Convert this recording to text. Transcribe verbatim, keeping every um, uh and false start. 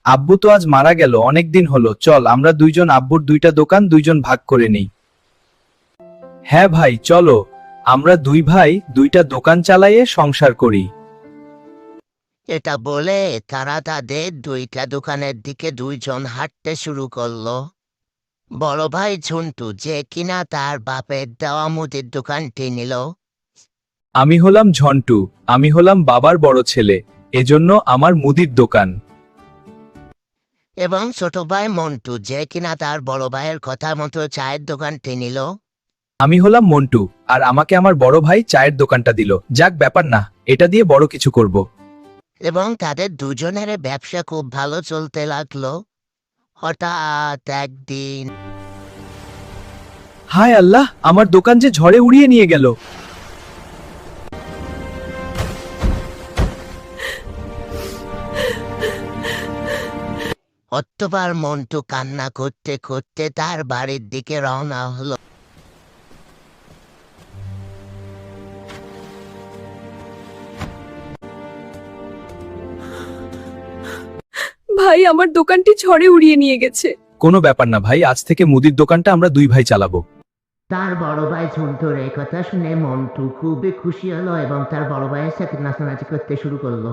আব্বু তো আজ মারা গেল, অনেক দিন হলো, চল আমরা দুইজন আব্বুর দুইটা দোকান দুইজন ভাগ করে নেই। হ্যাঁ ভাই চলো, আমরা দুই ভাই দুইটা দোকান চালাইয়ে সংসার করি। এটা বলে তারা তাদের দুইটা দোকানের দিকে দুইজন হাঁটতে শুরু করলো। বড় ভাই ঝন্টু, যে কিনা তার বাপের দেওয়া মুদির দোকানটি নিল, আমি হলাম ঝন্টু, আমি হলাম বাবার বড় ছেলে, এজন্য আমার মুদির দোকান। এবং ছোট ভাই মন্টু, যে কিনা তার বড় ভাইয়ের কথা মতো চায়ের দোকানটি নিল। আমি হলাম মন্টু, আর আমাকে আমার বড় ভাই চায়ের দোকানটা দিল, যাক ব্যাপার না, এটা দিয়ে বড় কিছু করব। এবং তাদের দুজনের ব্যবসা খুব ভালো চলতে লাগলো। হঠাৎ একদিন হায় আল্লাহ, আমার দোকান যে ঝড়ে উড়িয়ে নিয়ে গেল। অতবার মন্টু কান্না করতে করতে তার বাড়ির দিকে রওনা হলো। ভাই, আমার দোকানটি ঝড়ে উড়িয়ে নিয়ে গেছে। কোনো ব্যাপার না ভাই, আজ থেকে মুদির দোকানটা আমরা দুই ভাই চালাবো। তার বড় ভাই ঝন্টুর এই কথা শুনে মন্টু খুবই খুশি হলো এবং তার বড় ভাইয়ের সাথে নাচানাচি করতে শুরু করলো।